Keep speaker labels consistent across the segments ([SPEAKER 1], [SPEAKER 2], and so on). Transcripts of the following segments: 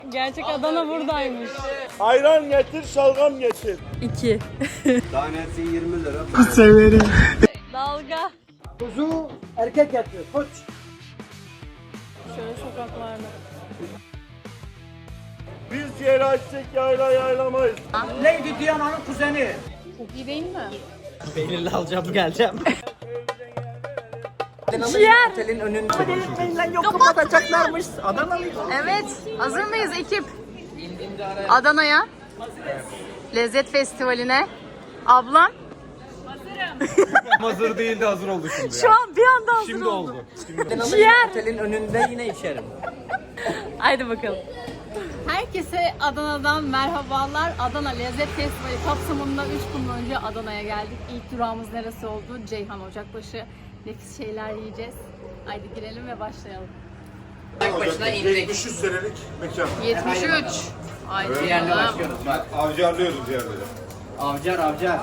[SPEAKER 1] Gerçek Adana buradaymış.
[SPEAKER 2] Ayran getir, şalgam getir.
[SPEAKER 1] 2.
[SPEAKER 3] Tanesi 20 lira.
[SPEAKER 2] Severim.
[SPEAKER 1] Dalga.
[SPEAKER 4] Kuzu erkek yatıyor. Koç.
[SPEAKER 1] Şöyle sokaklarda.
[SPEAKER 2] Biz ciğer açtık, yayla yaylamayız.
[SPEAKER 4] Lady Diana'nın kuzeni.
[SPEAKER 1] Çok iyi değil mi?
[SPEAKER 5] Peynirli alacağım geleceğim.
[SPEAKER 1] Ciğer.
[SPEAKER 4] Otelin önünde.
[SPEAKER 5] Yok kapatacaklarmış. Adanalıyız.
[SPEAKER 1] Evet. Hazır mıyız ekip? Adana'ya. Lezzet Festivali'ne. Ablam.
[SPEAKER 6] Hazır değildi, hazır oldu şimdi.
[SPEAKER 1] Şu an bir anda hazır
[SPEAKER 6] Şimdi
[SPEAKER 1] oldu.
[SPEAKER 6] oldu.
[SPEAKER 1] Ciğer.
[SPEAKER 5] Otelin önünde yine içerim.
[SPEAKER 1] Haydi bakalım. Herkese Adana'dan merhabalar. Adana Lezzet Festivali kapsamında 3 gün önce Adana'ya geldik. İlk durağımız neresi oldu? Ceyhan Ocakbaşı. Nefis şeyler yiyeceğiz. Haydi girelim ve başlayalım.
[SPEAKER 5] Başına indik.
[SPEAKER 2] 73 senelik mekan.
[SPEAKER 1] 73. Haydi
[SPEAKER 5] Bir yerle
[SPEAKER 1] bakalım.
[SPEAKER 5] başlıyoruz bak.
[SPEAKER 2] Avcarlıyoruz yerleri.
[SPEAKER 5] Avcar avcar.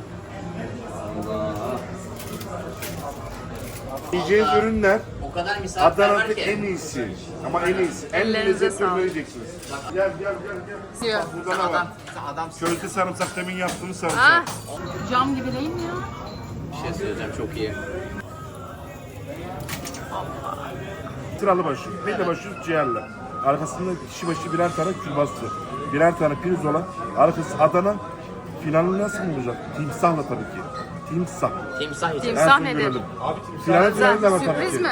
[SPEAKER 2] Yiyeceğiniz ürünler
[SPEAKER 5] O kadar misafir var
[SPEAKER 2] Adana'da
[SPEAKER 5] ki.
[SPEAKER 2] en iyisi. Ama en iyisi. En
[SPEAKER 1] Ellerinize
[SPEAKER 2] lezzetli
[SPEAKER 1] sağlık.
[SPEAKER 2] ürünü yiyeceksiniz. Gel gel gel.
[SPEAKER 1] Diyor.
[SPEAKER 2] Burada ne var?
[SPEAKER 5] Adam
[SPEAKER 2] Közde sarımsak, demin yaptığımız sarımsak.
[SPEAKER 1] Ah, cam gibi değil mi ya?
[SPEAKER 5] bir şey söyleyeceğim çok iyi.
[SPEAKER 2] Sıralı başı, pide başı ciğerle. Arkasında kişi başı birer tane külbastı. Birer tane pirzola. Arkası Adana. Finalini nasıl bulacak? Timsahla tabii ki. Timsah.
[SPEAKER 5] Timsah için.
[SPEAKER 1] Timsah
[SPEAKER 2] En son
[SPEAKER 1] nedir?
[SPEAKER 2] görelim. Finali de var tabii
[SPEAKER 1] Sürpriz
[SPEAKER 2] ki.
[SPEAKER 1] mi?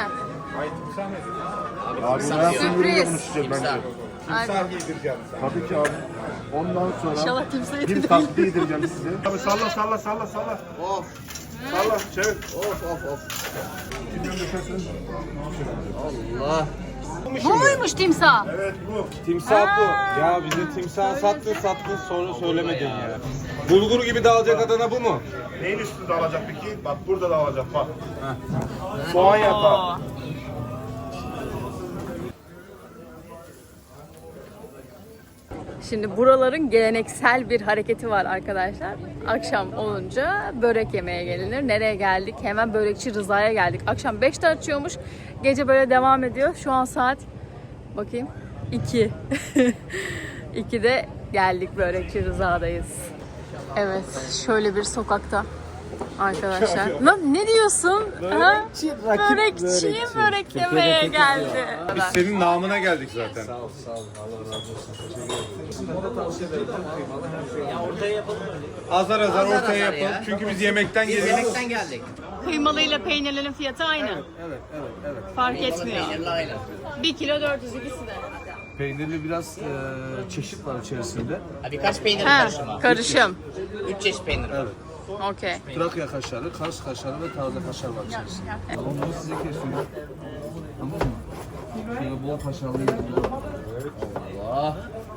[SPEAKER 2] Abi bunu en son
[SPEAKER 1] Sürpriz.
[SPEAKER 2] bölümde konuşacağız bence.
[SPEAKER 1] Haydi.
[SPEAKER 2] Tabii ki abi. Ondan sonra
[SPEAKER 1] İnşallah timsah
[SPEAKER 2] bir
[SPEAKER 1] yedirmeyiz.
[SPEAKER 2] tatlı yedireceğim size. Abi salla salla salla salla.
[SPEAKER 5] Of
[SPEAKER 2] Salla çevir.
[SPEAKER 5] of.
[SPEAKER 2] Kimden düşersin?
[SPEAKER 5] Allah.
[SPEAKER 1] Bu muymuş timsah?
[SPEAKER 2] Evet bu.
[SPEAKER 6] Timsah bu. Ya bize timsah sattın sonra söylemedin ya. Bulgur gibi dağılacak Adana bu mu?
[SPEAKER 2] Neyin üstünde alacak peki? Bak burada da alacak bak. Soğan yapağı.
[SPEAKER 1] Şimdi buraların geleneksel bir hareketi var arkadaşlar. Akşam olunca börek yemeye gelinir. Nereye geldik? Hemen Börekçi Rıza'ya geldik. Akşam 5'te açıyormuş. Gece böyle devam ediyor. Şu an saat bakayım 2. 2'de geldik, Börekçi Rıza'dayız. Evet, şöyle bir sokakta arkadaşlar. Lan ne diyorsun? Börekçi börek yemeye geldi.
[SPEAKER 6] Biz senin namına geldik zaten. Azar azar ortaya yapalım.
[SPEAKER 5] ya.
[SPEAKER 6] Çünkü biz yemekten
[SPEAKER 5] Biz
[SPEAKER 6] geliyoruz.
[SPEAKER 5] yemekten geldik.
[SPEAKER 1] Kıymalıyla peynirlerin fiyatı aynı.
[SPEAKER 6] Evet.
[SPEAKER 1] Fark etmiyor.
[SPEAKER 5] Peynirli aynı.
[SPEAKER 1] 1 kilo 400 ikisi de.
[SPEAKER 7] Peynirli biraz çeşit var içerisinde.
[SPEAKER 5] Ha, birkaç peynir
[SPEAKER 1] Ha,
[SPEAKER 5] karışımı.
[SPEAKER 1] karışım.
[SPEAKER 5] 3 çeşit peynir.
[SPEAKER 7] Evet.
[SPEAKER 1] Okey.
[SPEAKER 7] Trakya kaşarı, Kars kaşarı ve taze kaşar var içerisinde. Onu size kesiyorum. Tamam mı? Şöyle bol kaşarlı yapıyorum.
[SPEAKER 5] Allah.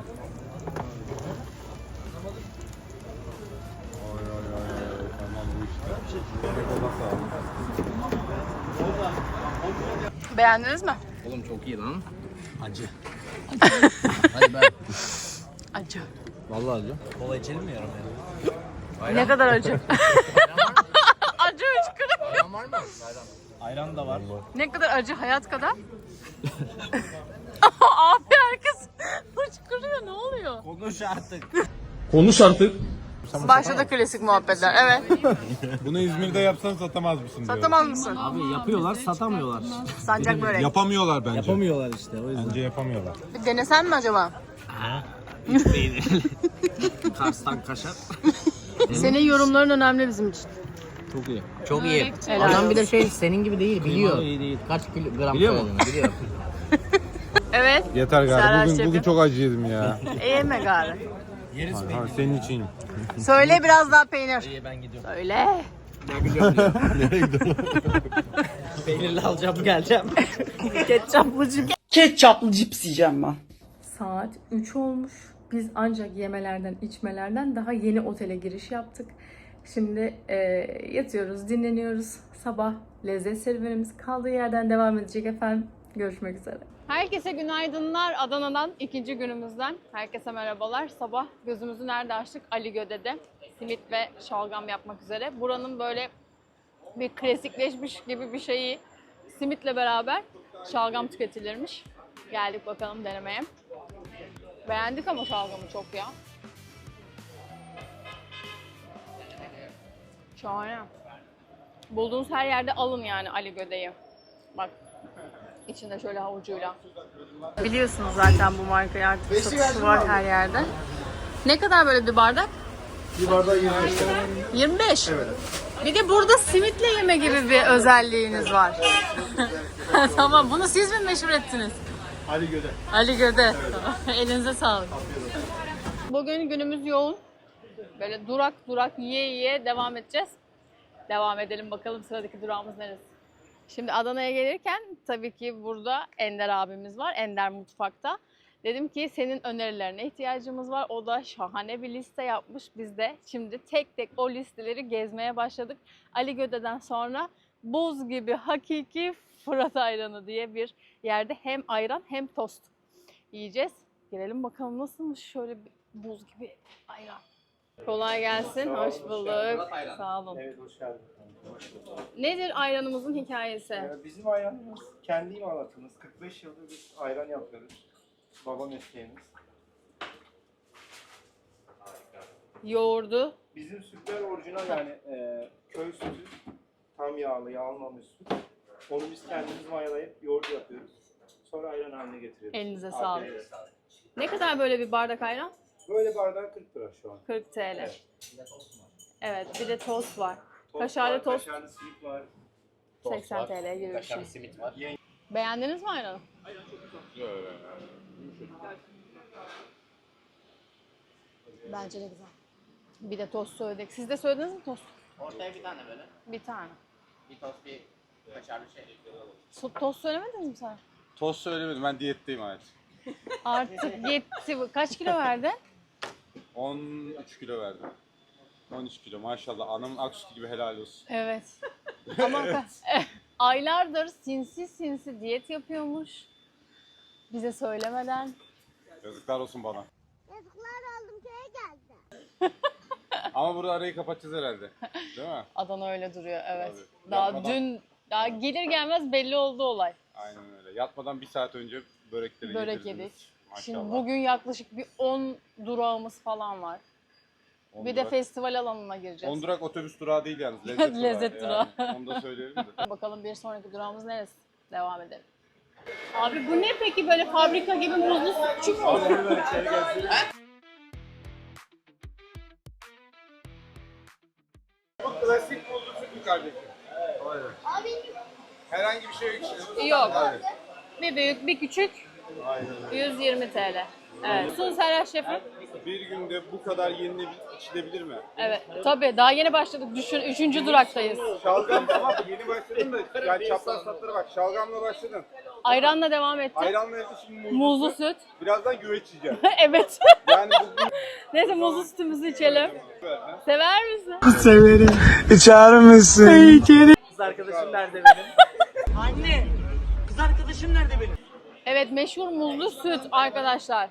[SPEAKER 1] Beğendiniz mi?
[SPEAKER 5] Oğlum çok iyi lan.
[SPEAKER 7] Acı.
[SPEAKER 5] Hadi ben.
[SPEAKER 1] Acı.
[SPEAKER 7] Vallahi acı.
[SPEAKER 5] Kola içelim mi yarım ya?
[SPEAKER 1] Ne kadar acı? Acı hıçkırık.
[SPEAKER 5] Ayran var mı?
[SPEAKER 7] Ayran da var.
[SPEAKER 1] Ne kadar acı, hayat kadar. Abi herkes hıçkırıyor, ne oluyor?
[SPEAKER 7] Konuş artık.
[SPEAKER 1] Başladı klasik muhabbetler, evet.
[SPEAKER 6] Bunu İzmir'de yapsan satamaz mısın diyorum.
[SPEAKER 1] Satamaz mısın?
[SPEAKER 7] Abi yapıyorlar, satamıyorlar.
[SPEAKER 1] Sancak börek.
[SPEAKER 6] Yapamıyorlar bence.
[SPEAKER 7] Yapamıyorlar işte o yüzden.
[SPEAKER 6] Bence yapamıyorlar.
[SPEAKER 1] Bir denesen mi acaba?
[SPEAKER 7] Kars'tan kaşar.
[SPEAKER 1] Senin yorumların önemli bizim için.
[SPEAKER 7] Çok iyi.
[SPEAKER 5] Çok iyi.
[SPEAKER 1] Helal
[SPEAKER 5] Adam
[SPEAKER 1] olsun.
[SPEAKER 5] bir de şey senin gibi değil biliyor.
[SPEAKER 7] iyi değil.
[SPEAKER 5] Kaç gram
[SPEAKER 7] Biliyor mu?
[SPEAKER 5] koyduğunu biliyor.
[SPEAKER 1] Evet.
[SPEAKER 6] Yeter
[SPEAKER 1] Serhat
[SPEAKER 6] galiba. Bugün
[SPEAKER 1] şefim.
[SPEAKER 6] çok acı yedim ya.
[SPEAKER 1] Yeme gari.
[SPEAKER 6] Ha, senin için.
[SPEAKER 1] Söyle biraz daha peynir.
[SPEAKER 5] İyi ben gidiyorum.
[SPEAKER 1] Söyle.
[SPEAKER 5] Peynirli alacağım geleceğim.
[SPEAKER 4] Ketçaplı cips yiyeceğim ben.
[SPEAKER 1] Saat 3 olmuş. Biz ancak yemelerden, içmelerden daha yeni otele giriş yaptık. Şimdi yatıyoruz, dinleniyoruz. Sabah lezzet serüvenimiz kaldığı yerden devam edecek efendim. Görüşmek üzere. Herkese günaydınlar. Adana'dan ikinci günümüzden. Herkese merhabalar. Sabah gözümüzü nerede açtık? Ali Göde'de. Simit ve şalgam yapmak üzere. Buranın böyle bir klasikleşmiş gibi bir şeyi, simitle beraber şalgam tüketilirmiş. Geldik bakalım denemeye. Beğendik ama şalgamı çok ya. Şahane. Bulduğunuz her yerde alın yani Ali Göde'yi. Bak. İçinde şöyle havucuyla. Biliyorsunuz zaten bu markayı artık satışı var her yerde. Ne kadar böyle bir bardak?
[SPEAKER 2] Bir bardağı 25 lira.
[SPEAKER 1] 25. Evet. Bir de burada simitle yeme gibi bir özelliğiniz var. Tamam, bunu siz mi meşhur ettiniz?
[SPEAKER 2] Ali Göde.
[SPEAKER 1] Ali Göde. Elinize sağlık. Bugün günümüz yoğun. Böyle durak durak yiye yiye devam edeceğiz. Devam edelim bakalım sıradaki durağımız neresi? Şimdi Adana'ya gelirken tabii ki burada Ender abimiz var. Ender Mutfak'ta. Dedim ki senin önerilerine ihtiyacımız var. O da şahane bir liste yapmış. Biz de şimdi tek tek o listeleri gezmeye başladık. Ali Göde'den sonra buz gibi hakiki Fırat ayranı diye bir yerde hem ayran hem tost yiyeceğiz. Gelelim bakalım nasılmış şöyle bir buz gibi ayran. Kolay gelsin. Hoş bulduk. Sağ olun.
[SPEAKER 8] Evet, hoş geldin.
[SPEAKER 1] Nedir ayranımızın hikayesi?
[SPEAKER 8] Bizim ayranımız kendi imalatımız. 45 yıldır biz ayran yapıyoruz. Baba mesleğimiz.
[SPEAKER 1] Yoğurdu.
[SPEAKER 8] Bizim sütler orijinal yani köy sütü. Tam yağlı, yağlanmamış süt. Onu biz kendimiz mayalayıp yoğurt yapıyoruz. Sonra ayran haline getiriyoruz.
[SPEAKER 1] Elinize sağlık.
[SPEAKER 8] Afiyet olsun.
[SPEAKER 1] Ne kadar böyle bir bardak ayran?
[SPEAKER 8] Böyle bardağı 40 lira şu an.
[SPEAKER 1] 40 TL.
[SPEAKER 8] Evet.
[SPEAKER 1] Evet, bir de tost var.
[SPEAKER 8] Tost
[SPEAKER 1] Kaşarlı
[SPEAKER 8] var,
[SPEAKER 1] tost
[SPEAKER 8] kaşarlı simit var.
[SPEAKER 1] 80 TL gibi bir şey.
[SPEAKER 5] simit var.
[SPEAKER 1] Beğendiniz mi ayranı? Bence de güzel. Bir de tost söyledik. Siz de söylediniz mi tost?
[SPEAKER 5] Ortaya bir tane böyle.
[SPEAKER 1] Bir tane.
[SPEAKER 5] Bir tost bir kaşarlı şey.
[SPEAKER 1] Tost söylemediniz mi sen?
[SPEAKER 6] Tost söylemedim, ben diyetteyim hayat.
[SPEAKER 1] Artık yetti. Kaç kilo verdin?
[SPEAKER 6] 13 kilo verdim. 13 kilo maşallah, anamın aksütü gibi, helal olsun.
[SPEAKER 1] Evet. Ama aylardır sinsi sinsi diyet yapıyormuş. Bize söylemeden.
[SPEAKER 6] Yazıklar olsun bana.
[SPEAKER 9] Yazıklar oldum, köye geldi.
[SPEAKER 6] Ama burada arayı kapatacağız herhalde. Değil mi?
[SPEAKER 1] Adana öyle duruyor, evet.
[SPEAKER 6] Tabii.
[SPEAKER 1] Daha
[SPEAKER 6] Yapmadan-
[SPEAKER 1] daha gelir gelmez belli oldu olay.
[SPEAKER 6] Aynen öyle. Yatmadan bir saat önce börekleri
[SPEAKER 1] Börek
[SPEAKER 6] yedirdiniz.
[SPEAKER 1] yedik.
[SPEAKER 6] Maşallah.
[SPEAKER 1] Şimdi bugün yaklaşık bir 10 durağımız falan var. Bir de festival alanına gireceğiz.
[SPEAKER 6] 10 durak otobüs durağı değil yalnız. Lezzet,
[SPEAKER 1] Lezzet durağı.
[SPEAKER 6] Yani, onu da söyleyelim de.
[SPEAKER 1] Bakalım bir sonraki durağımız neresi? Devam edelim. Abi bu ne peki, böyle fabrika gibi muzlu sütçü mü?
[SPEAKER 6] Klasik buzlu süt mü kardeşim? Aynen. Herhangi bir şey yok içinde.
[SPEAKER 1] Yok. Bir büyük, bir küçük. 120 TL. Evet. Sun Serhat Şef'im.
[SPEAKER 6] Bir günde bu kadar yenilebilir, içilebilir mi?
[SPEAKER 1] Evet. Tabii daha yeni başladık. Düşün, 3. duraktayız.
[SPEAKER 6] Şalgam tamam, yeni başladın da yani çapraz tatlara bak. Şalgamla başladın.
[SPEAKER 1] Ayranla devam ettik.
[SPEAKER 6] Ayranla yaptı, şimdi
[SPEAKER 1] Muzlu süt.
[SPEAKER 6] Birazdan güveç yiyeceğim.
[SPEAKER 1] Evet.
[SPEAKER 6] Yani bugün
[SPEAKER 1] Neyse muzlu sütümüzü içelim. Sever misin?
[SPEAKER 5] Kız arkadaşım nerede benim? Anne! Kız arkadaşım nerede benim?
[SPEAKER 1] Evet, meşhur muzlu süt arkadaşlar.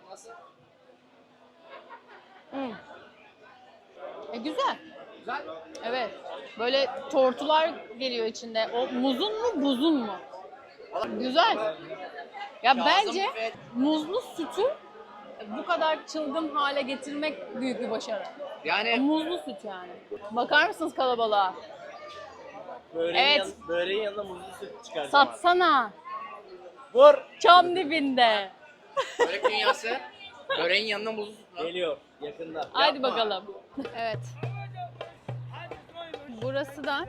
[SPEAKER 1] Güzel. Evet. Böyle tortular geliyor içinde. O muzun mu, buzun mu? Güzel. Ya bence muzlu sütü bu kadar çılgın hale getirmek büyük bir başarı.
[SPEAKER 5] Yani
[SPEAKER 1] Muzlu süt yani. Bakar mısınız kalabalığa? Evet.
[SPEAKER 5] Böreğin yanına muzlu süt çıkaracağım.
[SPEAKER 1] Satsana.
[SPEAKER 5] Vur!
[SPEAKER 1] Çam dibinde.
[SPEAKER 5] Börek dünyası. Böreğin yanına muzlu süt var. Geliyor yakında.
[SPEAKER 1] Haydi bakalım. Evet. Burası da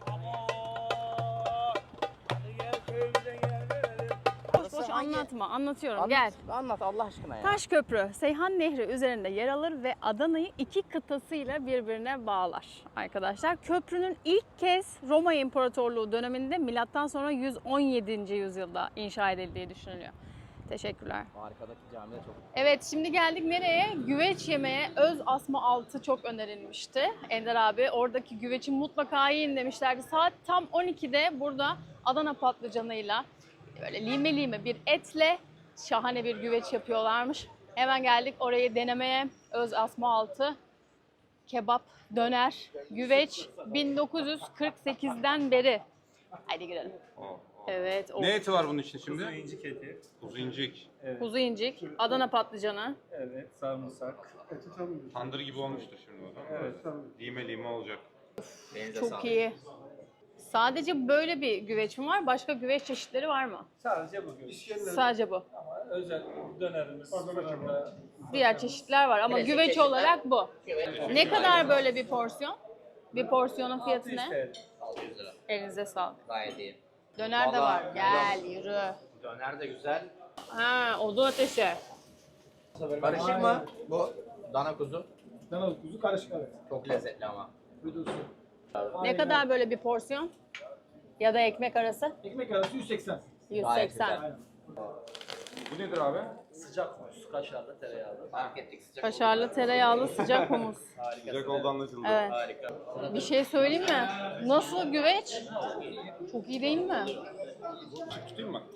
[SPEAKER 1] boş anlatma. Anlatıyorum. Gel.
[SPEAKER 5] Anlat Allah aşkına ya.
[SPEAKER 1] Taşköprü, Seyhan Nehri üzerinde yer alır ve Adana'yı iki kıtasıyla birbirine bağlar arkadaşlar. Köprünün ilk kez Roma İmparatorluğu döneminde milattan sonra 117. yüzyılda inşa edildiği düşünülüyor. Teşekkürler.
[SPEAKER 5] Arkadaki cami de çok.
[SPEAKER 1] Evet, şimdi geldik nereye? Güveç yemeye. Öz asma altı çok önerilmişti. Ender abi oradaki güveci mutlaka yiyin demişlerdi. Saat tam 12'de burada Adana patlıcanıyla böyle lime lime bir etle şahane bir güveç yapıyorlarmış. Hemen geldik orayı denemeye. Öz asma altı kebap, döner, güveç 1948'den beri. Haydi girelim. Evet. O
[SPEAKER 6] Ne eti var bunun için şimdi?
[SPEAKER 8] Kuzu incik eti.
[SPEAKER 6] Kuzu incik.
[SPEAKER 1] kuzu incik, Adana patlıcanı.
[SPEAKER 8] Evet, sarımsak.
[SPEAKER 6] Tandır gibi olmuştur şimdi o zaman.
[SPEAKER 8] Evet.
[SPEAKER 6] Lime lime olacak.
[SPEAKER 1] Çok iyi. Sadece böyle bir güveç mi var? Başka güveç çeşitleri var mı?
[SPEAKER 8] Sadece bugün.
[SPEAKER 1] Sadece bu.
[SPEAKER 8] Ama özel dönerimiz, fırında.
[SPEAKER 1] Diğer çeşitler var ama güveç olarak bu. Ne kadar böyle bir porsiyon? Bir porsiyonun fiyatı ne?
[SPEAKER 8] 600 lira.
[SPEAKER 1] Elinize sağlık.
[SPEAKER 3] Gayet iyi.
[SPEAKER 1] Döner de var. Gel yürü.
[SPEAKER 3] Döner de güzel.
[SPEAKER 1] Ha, odun ateşi.
[SPEAKER 3] Karışık mı? Bu dana kuzu.
[SPEAKER 4] Dana kuzu karışık evet.
[SPEAKER 3] Çok lezzetli ama.
[SPEAKER 1] Ne kadar böyle bir porsiyon? Ya da ekmek arası?
[SPEAKER 4] Ekmek arası 180.
[SPEAKER 1] 180.
[SPEAKER 6] Bu nedir abi?
[SPEAKER 5] Sıcak humus, kaşarlı, tereyağlı.
[SPEAKER 3] Fark ettik sıcak.
[SPEAKER 1] Kaşarlı, tereyağlı, sıcak humus.
[SPEAKER 6] Sıcak oldu anlaşıldı.
[SPEAKER 1] Evet.
[SPEAKER 3] Harika.
[SPEAKER 1] Bir şey söyleyeyim mi? Nasıl güveç? Çok iyi değil mi?
[SPEAKER 6] Tutayım mı?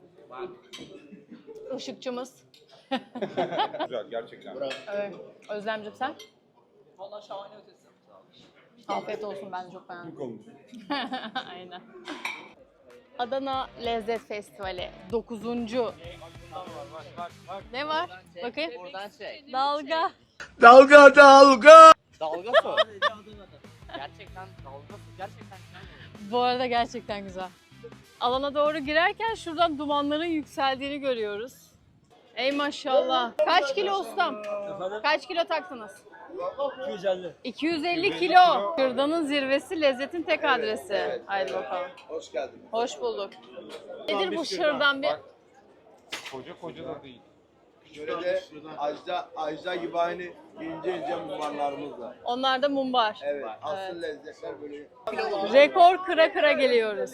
[SPEAKER 1] Işıkçımız.
[SPEAKER 6] Güzel gerçekten.
[SPEAKER 1] Evet. Özlemciğim sen? Vallahi şahane ötesi. Afiyet olsun, ben de çok beğendim. Aynen. Adana Lezzet Festivali 9. Ne var? Bakayım.
[SPEAKER 3] Buradan çek.
[SPEAKER 1] Dalga.
[SPEAKER 3] Dalga su. Gerçekten dalga su. Gerçekten güzel.
[SPEAKER 1] Bu arada gerçekten güzel. Alana doğru girerken şuradan dumanların yükseldiğini görüyoruz. Ey maşallah. Kaç kilo ustam? Kaç kilo taktınız?
[SPEAKER 4] 250.
[SPEAKER 1] 250 kilo. Kırdanın zirvesi, lezzetin tek adresi. Haydi bakalım.
[SPEAKER 3] Hoş geldin.
[SPEAKER 1] Hoş bulduk. Nedir bu şırdan bir?
[SPEAKER 6] Koca da değil.
[SPEAKER 3] Şöyle de ajda gibi aynı ince mumbarlarımız var.
[SPEAKER 1] Onlar da mumbar.
[SPEAKER 3] Evet. Asıl lezzetler böyle.
[SPEAKER 1] Rekor kıra kıra geliyoruz.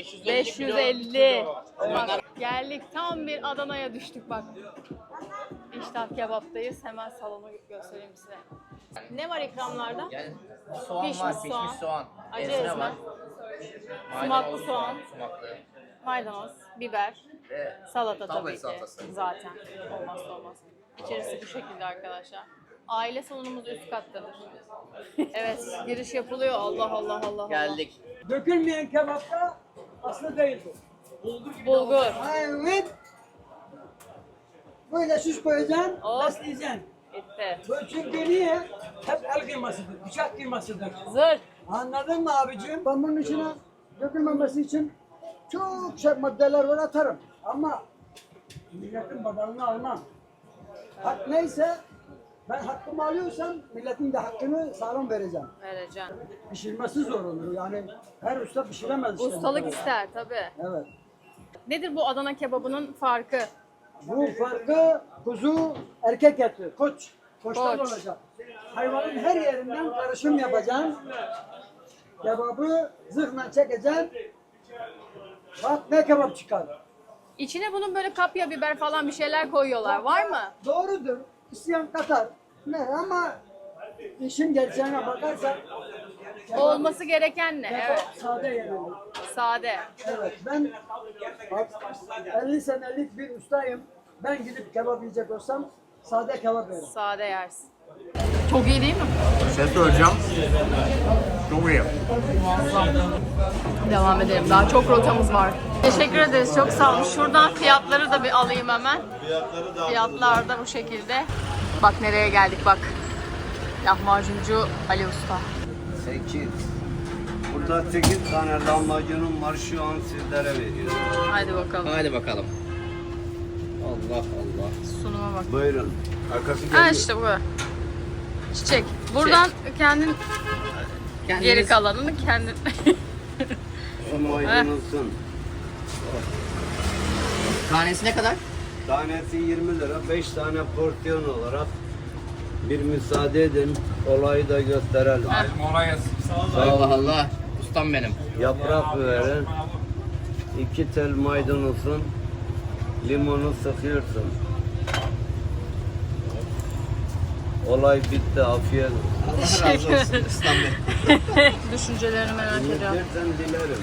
[SPEAKER 1] 550. Geldik, tam bir Adana'ya düştük bak. İştah Kebap'tayız. Hemen salonu göstereyim size. Ne var ikramlarda?
[SPEAKER 3] Yani soğan
[SPEAKER 1] Pişmiş
[SPEAKER 3] var,
[SPEAKER 1] soğan.
[SPEAKER 3] pişmiş soğan.
[SPEAKER 1] Acı
[SPEAKER 3] Ezme
[SPEAKER 1] ezme.
[SPEAKER 3] var.
[SPEAKER 1] Sumaklı
[SPEAKER 3] Maydanoz
[SPEAKER 1] soğan.
[SPEAKER 3] Sumaklı.
[SPEAKER 1] Maydanoz, biber,
[SPEAKER 3] Ve
[SPEAKER 1] salata
[SPEAKER 3] Tablet
[SPEAKER 1] tabii ki.
[SPEAKER 3] salatası.
[SPEAKER 1] Zaten olmazsa olmaz. İçerisi bu şekilde arkadaşlar. Aile salonumuz üst kattadır. Evet, giriş yapılıyor. Allah Allah Allah Allah.
[SPEAKER 3] Geldik.
[SPEAKER 4] Dökülmeyen kebapta aslı değil bu.
[SPEAKER 1] Bulgur.
[SPEAKER 4] Evet. Böyle süs koyacaksın,
[SPEAKER 1] Hop.
[SPEAKER 4] besleyeceksin.
[SPEAKER 1] Bitti.
[SPEAKER 4] Bu çünkü niye? Hep el kıymasıdır, bıçak kıymasıdır.
[SPEAKER 1] Zır.
[SPEAKER 4] Anladın mı abicim? Ben bunun içine dökülmemesi için çok şey maddeler var atarım. Ama milletin badalını almam. Hak neyse ben hakkımı alıyorsam milletin de hakkını sağlam vereceğim.
[SPEAKER 1] Vereceğim.
[SPEAKER 4] Pişirmesi zor olur yani. Her usta pişiremez işte.
[SPEAKER 1] Ustalık ister tabii.
[SPEAKER 4] Evet.
[SPEAKER 1] Nedir bu Adana kebabının farkı?
[SPEAKER 4] Bu farkı kuzu erkek eti, koç. Koçtan
[SPEAKER 1] Koç.
[SPEAKER 4] olacak. Hayvanın her yerinden karışım yapacaksın. Kebabı zırhla çekeceksin. Bak ne kebap çıkar.
[SPEAKER 1] İçine bunun böyle kapya biber falan bir şeyler koyuyorlar. Var mı?
[SPEAKER 4] Doğrudur. İsteyen katar. Ne ama işin gerçeğine bakarsan
[SPEAKER 1] Olması gereken ne?
[SPEAKER 4] kebap
[SPEAKER 1] Evet.
[SPEAKER 4] sade yenir.
[SPEAKER 1] Sade.
[SPEAKER 4] Evet ben 50 senelik bir ustayım. Ben gidip kebap yiyecek olsam sade kebap yerim.
[SPEAKER 1] Sade yersin. Çok iyi değil mi?
[SPEAKER 2] Şey söyleyeceğim. Çok iyi.
[SPEAKER 1] Devam edelim. Daha çok rotamız var. Teşekkür ederiz. Çok sağ olun. Şuradan fiyatları da bir alayım hemen. Fiyatlar da bu şekilde. Bak nereye geldik bak. Lahmacuncu Ali Usta.
[SPEAKER 3] 8. Burada 8 tane lahmacunum var, şu an sizlere veriyorum.
[SPEAKER 1] Haydi bakalım.
[SPEAKER 3] Hadi bakalım. Allah Allah.
[SPEAKER 1] Sunuma bak.
[SPEAKER 3] Buyurun.
[SPEAKER 2] Arkası
[SPEAKER 1] Ha işte bu. Çiçek. Buradan kendin geri kalanını kendin.
[SPEAKER 3] Şu maydanozun.
[SPEAKER 5] Tanesi ne kadar?
[SPEAKER 3] Tanesi 20 lira. 5 tane porsiyon olarak bir müsaade edin. Olayı da gösterelim.
[SPEAKER 5] Allah Allah. Ustam benim.
[SPEAKER 3] Yaprak verin. 2 tel maydanozun. Limonu sıkıyorsun. Olay bitti. Afiyet olsun.
[SPEAKER 5] Allah razı olsun ustam benim.
[SPEAKER 1] Düşüncelerini merak ediyorum.
[SPEAKER 3] Dilersen dilerim.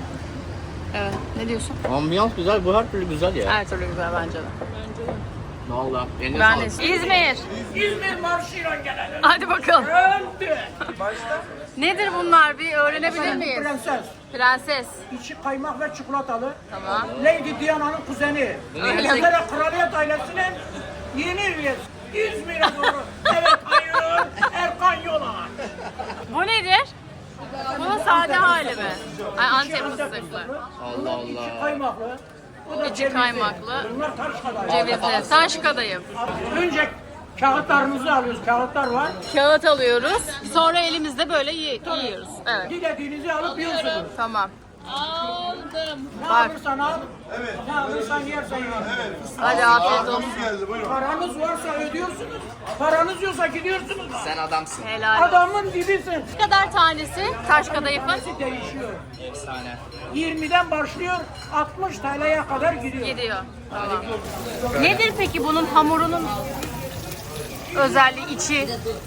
[SPEAKER 1] Evet. Ne diyorsun?
[SPEAKER 5] Ambiyans güzel, bu her türlü güzel ya.
[SPEAKER 1] Her türlü güzel bence de.
[SPEAKER 5] Vallahi. Eline
[SPEAKER 1] Ben
[SPEAKER 5] sağlık.
[SPEAKER 1] de İzmir.
[SPEAKER 4] İzmir marşıyla gelelim.
[SPEAKER 1] Hadi bakalım.
[SPEAKER 4] Öldü.
[SPEAKER 1] Nedir bunlar? Bir öğrenebilir miyiz?
[SPEAKER 4] Prenses.
[SPEAKER 1] Prenses.
[SPEAKER 4] İçi kaymak ve çikolatalı.
[SPEAKER 1] Tamam.
[SPEAKER 4] Lady Diana'nın kuzeni. İngiltere Kraliyet ailesinin yeni üyesi. İzmir'e doğru. Evet, hayır. Erkan Yola.
[SPEAKER 1] Bu nedir? Bu sade hali mi? Ay, Antep fıstıklı.
[SPEAKER 5] Allah Allah.
[SPEAKER 4] İçi kaymaklı. Bu da
[SPEAKER 1] İçi
[SPEAKER 4] cevizli.
[SPEAKER 1] kaymaklı.
[SPEAKER 4] Bunlar taş kadar.
[SPEAKER 1] Cevizli. Taş kadayıf.
[SPEAKER 4] Önce kağıtlarımızı alıyoruz. Kağıtlar var.
[SPEAKER 1] Kağıt alıyoruz. Sonra elimizde böyle yiyoruz. Evet.
[SPEAKER 4] Dilediğinizi alıp yiyorsunuz.
[SPEAKER 1] Tamam.
[SPEAKER 4] Ne
[SPEAKER 1] Bak.
[SPEAKER 4] alırsan al. Ne alırsan yersen ye.
[SPEAKER 1] Hadi afiyet olsun.
[SPEAKER 4] Paranız varsa ödüyorsunuz. Paranız yoksa gidiyorsunuz.
[SPEAKER 5] Sen adamsın.
[SPEAKER 1] Helal olsun.
[SPEAKER 4] Adamın dibisin.
[SPEAKER 1] Ne kadar tanesi taş kadayıfın?
[SPEAKER 4] Değişiyor.
[SPEAKER 5] Efsane.
[SPEAKER 4] 20'den başlıyor, 60 TL'ye kadar gidiyor.
[SPEAKER 1] Gidiyor. Tamam. Nedir peki bunun hamurunun özelliği içi?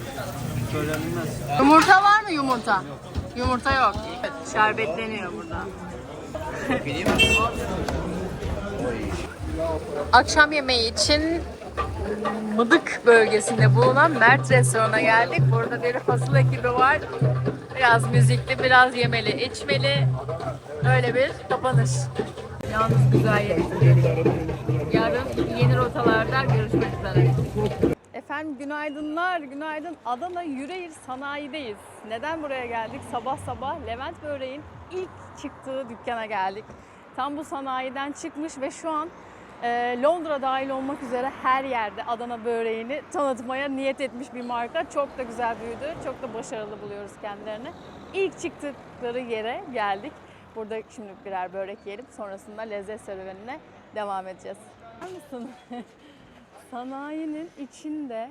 [SPEAKER 1] Yumurta var mı yumurta? Yumurta yok. Şerbetleniyor burada. Akşam yemeği için Mıdık bölgesinde bulunan Mert Restoran'a geldik. Burada bir fasıl ekibi var. Biraz müzikli, biraz yemeli, içmeli. Öyle bir kapanış. Yalnız güzel yedik. Yarın yeni rotalarda görüşmek üzere. Efendim günaydınlar, günaydın. Adana Yüreğir Sanayi'deyiz. Neden buraya geldik? Sabah sabah Levent Böreğin ilk çıktığı dükkana geldik. Tam bu sanayiden çıkmış ve şu an Londra dahil olmak üzere her yerde Adana böreğini tanıtmaya niyet etmiş bir marka. Çok da güzel büyüdü, çok da başarılı buluyoruz kendilerini. İlk çıktıkları yere geldik. Burada şimdi birer börek yiyelim, sonrasında lezzet serüvenine devam edeceğiz. Biliyor musun? Sanayinin içinde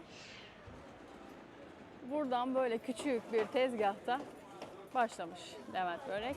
[SPEAKER 1] buradan böyle küçük bir tezgahta başlamış Levent Börek.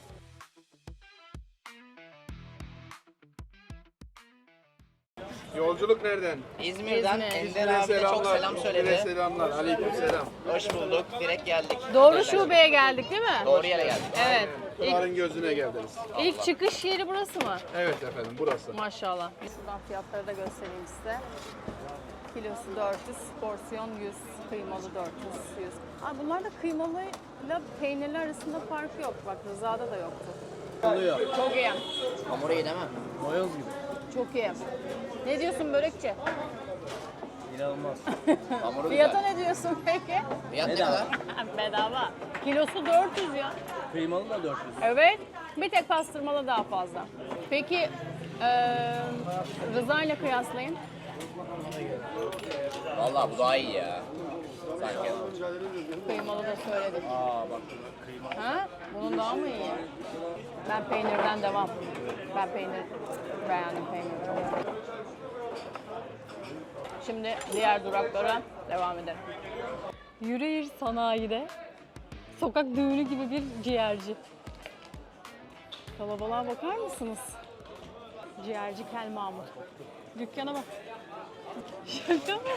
[SPEAKER 6] Yolculuk nereden?
[SPEAKER 5] İzmir'den
[SPEAKER 1] İzmir.
[SPEAKER 5] Ender abi de çok selam söyledi.
[SPEAKER 6] Selamlar. Aleykümselam.
[SPEAKER 5] Hoş bulduk. Direkt geldik.
[SPEAKER 1] Doğru şubeye geldik değil mi?
[SPEAKER 5] Doğru yere geldik.
[SPEAKER 1] Evet.
[SPEAKER 6] Pınar'ın gözüne geldiniz.
[SPEAKER 1] İlk çıkış yeri burası mı?
[SPEAKER 6] Evet efendim burası.
[SPEAKER 1] Maşallah. Şuradan fiyatları da göstereyim size. Kilosu 400, porsiyon 100, kıymalı 400, 100. Aa, bunlarda kıymalıyla peynirli arasında fark yok. Bak Rıza'da da yoktu.
[SPEAKER 7] Oluyor.
[SPEAKER 1] Çok iyi.
[SPEAKER 5] Hamuru iyi değil mi?
[SPEAKER 7] Mayoz gibi.
[SPEAKER 1] Çok iyi. Ne diyorsun börekçi?
[SPEAKER 7] İnanılmaz.
[SPEAKER 5] Hamuru
[SPEAKER 1] Fiyata
[SPEAKER 5] güzel.
[SPEAKER 1] ne diyorsun peki?
[SPEAKER 5] Fiyat ne kadar?
[SPEAKER 1] Bedava. Kilosu 400 ya.
[SPEAKER 7] Kıymalı da 400.
[SPEAKER 1] Evet. Bir tek pastırmalı daha fazla. Peki Rıza ile kıyaslayın.
[SPEAKER 5] Vallahi bu daha iyi ya. Sanki.
[SPEAKER 1] Kıymalı da söyledik. Ha? Bunun daha mı iyi? Ben peynirden devam. Ben peynir beğendim peyniri. Şimdi diğer duraklara devam edelim. Yüreğir Sanayi'de sokak düğünü gibi bir ciğerci. Kalabalığa bakar mısınız? Ciğerci Kel Mahmut. Dükkana bak. Şaka mı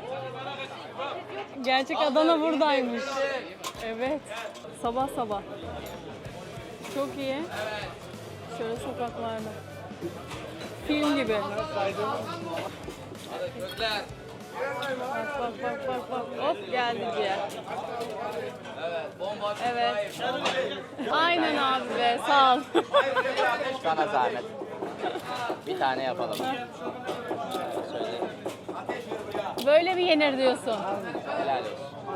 [SPEAKER 1] bu? Gerçek Adana buradaymış. Evet. Sabah sabah. Çok iyi. Şöyle sokaklarda. Film gibi. Bak. Hop geldi ciğer. Evet. Aynen abi be. Sağ ol.
[SPEAKER 5] Sana zahmet. Bir tane yapalım.
[SPEAKER 1] Böyle mi yenir diyorsun?
[SPEAKER 5] Helal olsun.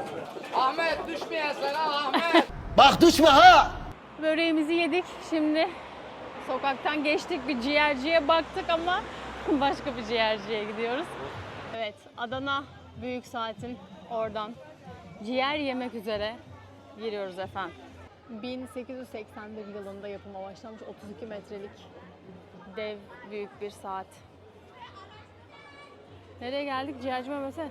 [SPEAKER 7] Bak düşme ha!
[SPEAKER 1] Böreğimizi yedik. Şimdi sokaktan geçtik, bir ciğerciye baktık ama başka bir ciğerciye gidiyoruz. Evet, Adana Büyük Saat'in oradan ciğer yemek üzere giriyoruz efendim. 1881 yılında yapıma başlamış 32 metrelik dev büyük bir saat. Nereye geldik? Ciğerci Mehmet'e.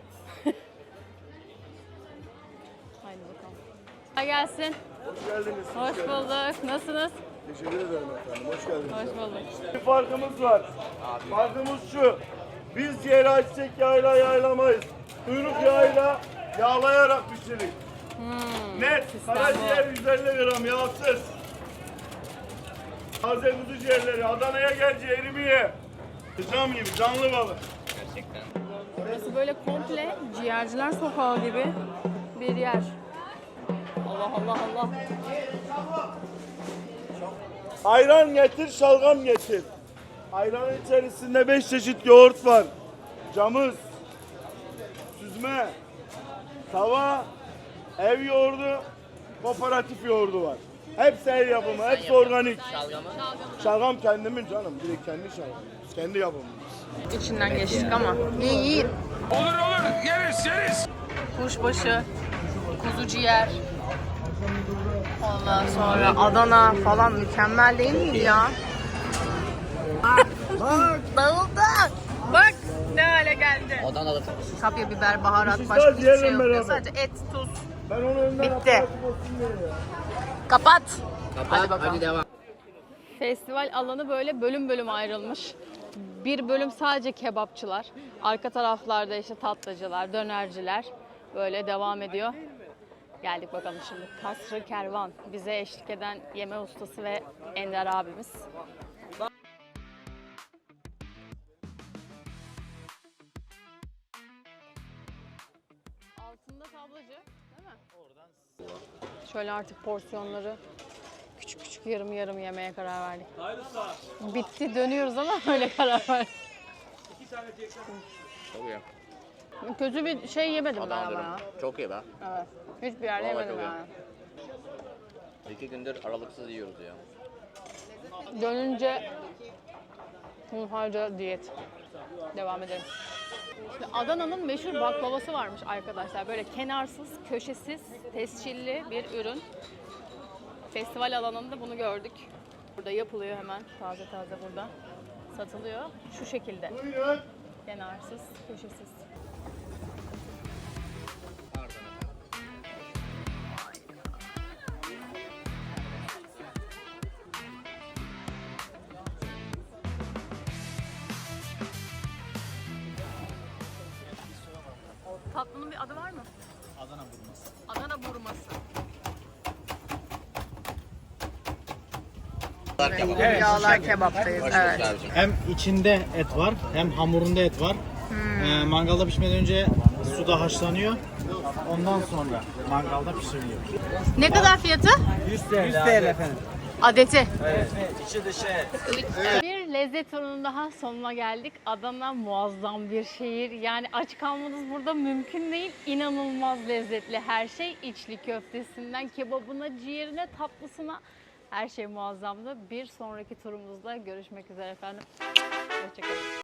[SPEAKER 1] Haydi bakalım. Kolay gelsin.
[SPEAKER 2] Hoş geldiniz.
[SPEAKER 1] Hoş bulduk. Nasılsınız?
[SPEAKER 2] Teşekkür ederim efendim. Hoş geldiniz.
[SPEAKER 1] Hoş bulduk.
[SPEAKER 2] Bir farkımız var. Farkımız şu. Biz ciğeri açacak yağla yağlamayız. Kuyruk yağıyla yağlayarak pişirir. Net. Karaciğer 150 gram yağsız. Taze kuzu ciğerleri. Adana'ya gel ciğerimi ye. Kızam gibi canlı balık.
[SPEAKER 5] Gerçekten.
[SPEAKER 1] Burası böyle komple ciğerciler sokağı gibi bir yer. Allah Allah Allah.
[SPEAKER 2] Ayran getir, şalgam getir. Ayranın içerisinde 5 çeşit yoğurt var. Camız, süzme, tava, ev yoğurdu, kooperatif yoğurdu var. Hepsi el yapımı, hepsi organik. Şalgam kendimin canım, direkt kendi şalgam. Kendi yapımımız.
[SPEAKER 1] İçinden geçtik ama. İyi.
[SPEAKER 6] Olur yeriz.
[SPEAKER 1] Kuşbaşı, kuzu ciğer. Ondan sonra Adana falan mükemmel değil miydi ya? Bak. Dağıldı. Bak ne hale geldi.
[SPEAKER 5] Adana'da
[SPEAKER 1] Kapya biber, baharat, başka hiçbir şey yok.
[SPEAKER 2] beraber.
[SPEAKER 1] Sadece et, tuz.
[SPEAKER 2] Ben onu önden
[SPEAKER 1] Bitti.
[SPEAKER 2] aparatif olsun diye ya.
[SPEAKER 1] Kapat.
[SPEAKER 5] Hadi bakalım. Hadi devam.
[SPEAKER 1] Festival alanı böyle bölüm bölüm ayrılmış. Bir bölüm sadece kebapçılar. Arka taraflarda işte tatlıcılar, dönerciler böyle devam ediyor. Geldik bakalım şimdi. Kasrı Kervan. Bize eşlik eden yeme ustası ve Ender abimiz. Altında tablacı değil mi? Oradan. Şöyle artık porsiyonları küçük küçük yarım yarım yemeye karar verdik. Bitti dönüyoruz ama öyle karar verdik.
[SPEAKER 5] Çok iyi.
[SPEAKER 1] Kötü bir şey yemedim ben ama ya.
[SPEAKER 5] Çok iyi be.
[SPEAKER 1] Evet. Hiçbir yerde
[SPEAKER 5] Vallahi
[SPEAKER 1] yemedim
[SPEAKER 5] çok iyi.
[SPEAKER 1] yani.
[SPEAKER 5] 2 gündür aralıksız yiyoruz ya.
[SPEAKER 1] Dönünce hunharca diyet. Devam edelim. İşte Adana'nın meşhur baklavası varmış arkadaşlar. Böyle kenarsız, köşesiz, tescilli bir ürün. Festival alanında bunu gördük. Burada yapılıyor hemen. Taze taze burada. Satılıyor. Şu şekilde. Kenarsız, köşesiz. Tatlının bir adı var mı? Adana burması. Adana burması. Yağlar kebaptayız. Evet.
[SPEAKER 10] Hem içinde et var, hem hamurunda et var. Mangalda pişmeden önce suda haşlanıyor. Ondan sonra mangalda pişiriliyor.
[SPEAKER 1] Ne kadar fiyatı?
[SPEAKER 10] 100 TL efendim.
[SPEAKER 1] Adeti.
[SPEAKER 10] Evet. İçi dışı et.
[SPEAKER 1] Bir lezzet turunun daha sonuna geldik. Adana muazzam bir şehir. Yani aç kalmanız burada mümkün değil. İnanılmaz lezzetli her şey. İçli köftesinden kebabına, ciğerine, tatlısına her şey muazzamdı. Bir sonraki turumuzda görüşmek üzere efendim. Hoşçakalın.